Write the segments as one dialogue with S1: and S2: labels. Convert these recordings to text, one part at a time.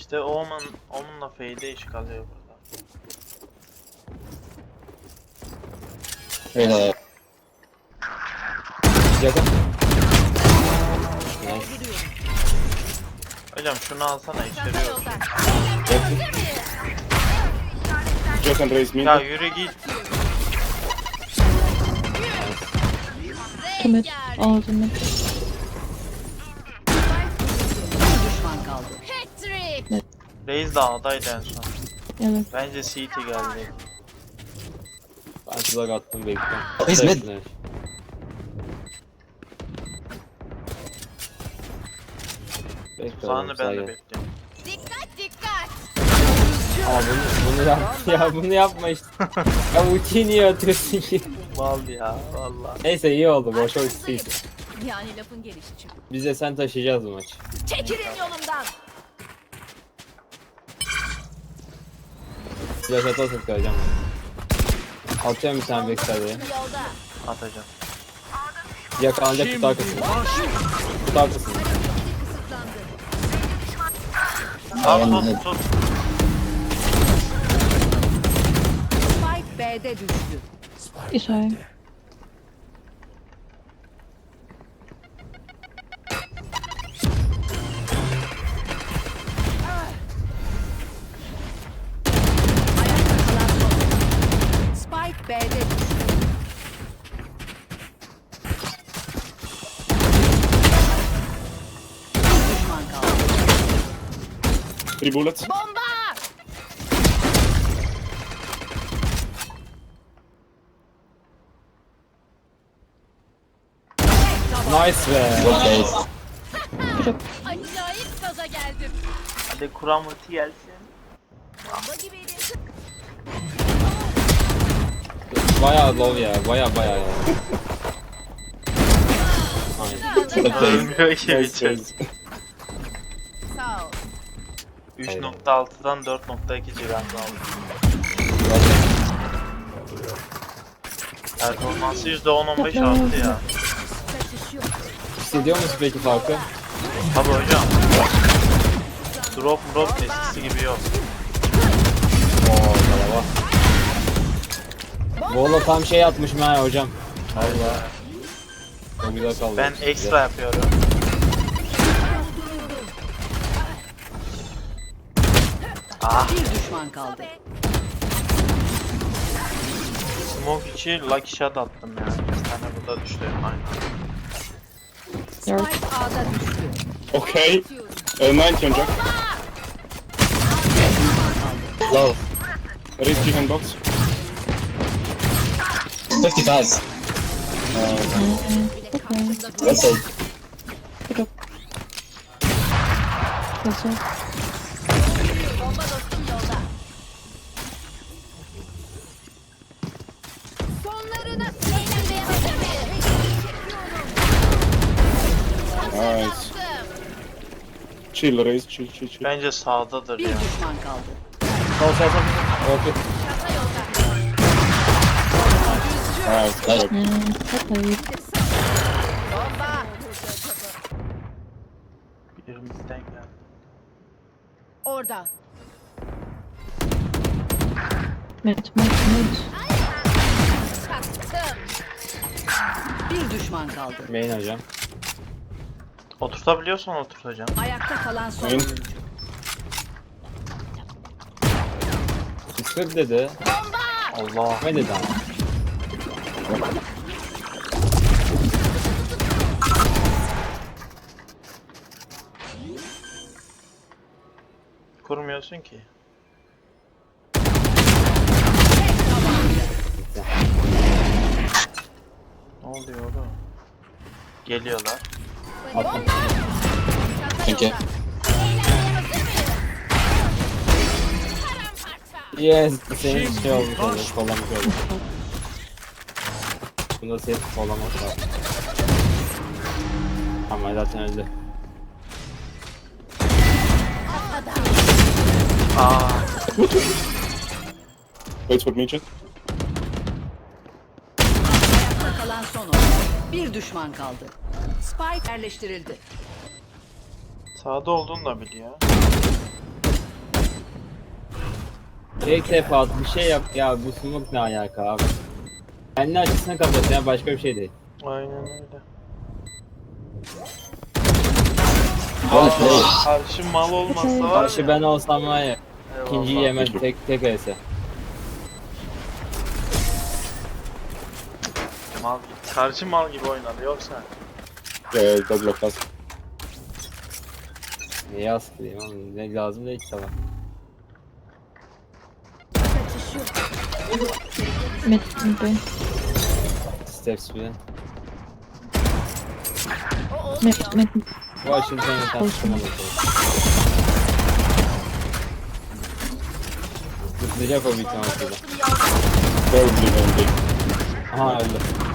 S1: İşte onunla fade iş kalıyor burada.
S2: Yakın.
S1: Hocam şunu alsana içeriyor.
S3: Just and raise me.
S1: Ya yürü git.
S4: Tümür ağzını.
S5: Düşman kaldı.
S1: Reis de A'daydı en son.
S4: Evet.
S1: Bence CT geldi.
S2: Ben tuzak attım bekliyorum.
S6: Biz mid.
S1: Tuzağını ben de bekliyorum.
S2: Ama bunu yap ya bunu yapma işte. Ya ultiyi niye atıyorsun ki?
S1: Mal ya valla.
S2: Neyse iyi oldu boşa ultisiydi.
S5: Yani lafın gelişi çünkü.
S2: Biz de sen taşıyacağız bu maçı.
S5: Çekilin yolumdan.
S2: Flash atarsak koyacağım. Atıyorum bir tane backside'e.
S5: Yolda.
S1: Atacağım.
S2: Yakalanacak kutu arkasında. Kutu arkasında.
S1: Tut tut.
S5: Spike B'de düştü.
S4: İsrail.
S5: Spike B'de düştü. Bir düşman kaldı.
S3: 3 bullets.
S5: Bomba!
S2: Nice be.
S6: Okay.
S5: Acayip gaza geldim.
S1: Hadi Kur'an ulti gelsin.
S5: Bomba gibiydi.
S2: Baya low ya. Baya ya. Aynen.
S1: Ölmüyor ki
S3: Nice,
S1: biçim.
S3: nice.
S5: Sağ ol.
S1: 3.6'dan 4.2 civarında aldım. Performansı %10-15 arttı ya.
S5: Kaçış yok.
S2: Hissediyor musun peki farkı?
S1: Tabi hocam. Drop eskisi gibi yok.
S2: Oo bravo. Valla tam şey atmışım ha hocam. Allah. O güzel kaldı.
S1: Ben ekstra yapıyorum. Ah,
S5: Bir düşman kaldı.
S1: smoke içi lucky shot attım ya. Bir tane burada düştü. Aynen.
S5: Spike A'da düştü.
S3: Okay. 90 on Jack.
S6: Low.
S3: Raise chicken box.
S6: 55. Let's say.
S4: Nasıl?
S5: Bomba dostum yolda. Sonlarına eğlenmeye hazır mıyız?
S3: Nice. Chill, Raise, chill.
S1: Bence sağdadır
S5: Bir
S1: ya.
S5: düşman kaldı.
S2: Sol. Okey.
S3: Nice, good.
S4: Hayır.
S5: Bomba.
S1: Birimizden geldi.
S5: Orada.
S4: Met.
S5: Bir düşman kaldı.
S2: Main hocam.
S1: Oturtabiliyorsan oturt hocam.
S5: Ayakta kalan son
S3: Oyun.
S5: oyuncu.
S2: Sıkır dedi.
S1: Allah.
S2: Ne dedi ama?
S1: Kurmuyorsun ki. Ne oluyor oğlum? Geliyorlar.
S2: Attım.
S6: Thank you.
S2: Yes. Senin şey olmuş oldu. Kollamış oldu. Bunda safe kollamak var. Ama zaten öldü.
S1: Aa,
S3: Wait for me, Jet.
S5: Ayakta kalan son oyuncu. Bir düşman kaldı. Spike yerleştirildi.
S1: sağda olduğunu da biliyor.
S2: İlk defa bir şey yap ya, bu smoke ne alaka abi? Kendi açısını kapat ya, başka bir şey değil.
S1: Aynen öyle.
S6: Well played.
S1: Karşı mal olmazsa var
S2: Karşı
S1: ya.
S2: ben olsam var ya,
S1: Eyvallah.
S2: ikinciyi yemem tek ese.
S1: Karşı mal gibi oynadı yoksa.
S3: Does look us.
S2: Neye askılayım oğlum, ne lazım değil ki sana.
S4: Mid B.
S2: Steps bile.
S4: Mid.
S2: Bu açıldı sen yeter.
S4: Olsun.
S2: Zıplayacak o büyük ihtimalle şurada.
S3: Probably going big.
S2: Aha öldü.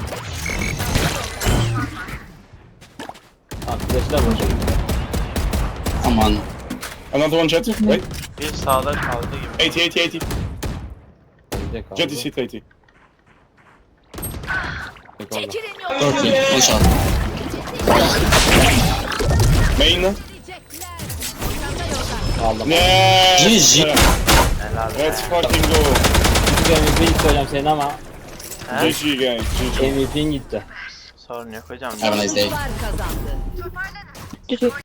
S2: Ha flash'lar boşa gitti.
S6: Come on.
S3: Another one jet. Wait.
S1: Bir sağda kaldı gibi.
S3: 80, 80, 80.
S2: Önde kaldı.
S3: Jet is hit 80.
S2: Tek orada.
S6: 30. One shot.
S3: Main.
S2: Aldım.
S3: Yeah.
S6: GG.
S1: Helal be.
S3: Let's fucking go.
S2: Küçük MVP'yi söyleyeceğim senin ama
S1: He?
S3: GG guys. GG.
S2: MVP'in gitti.
S1: Sorun yok hocam.
S6: Have a nice day.
S5: Kazandı.
S4: GG.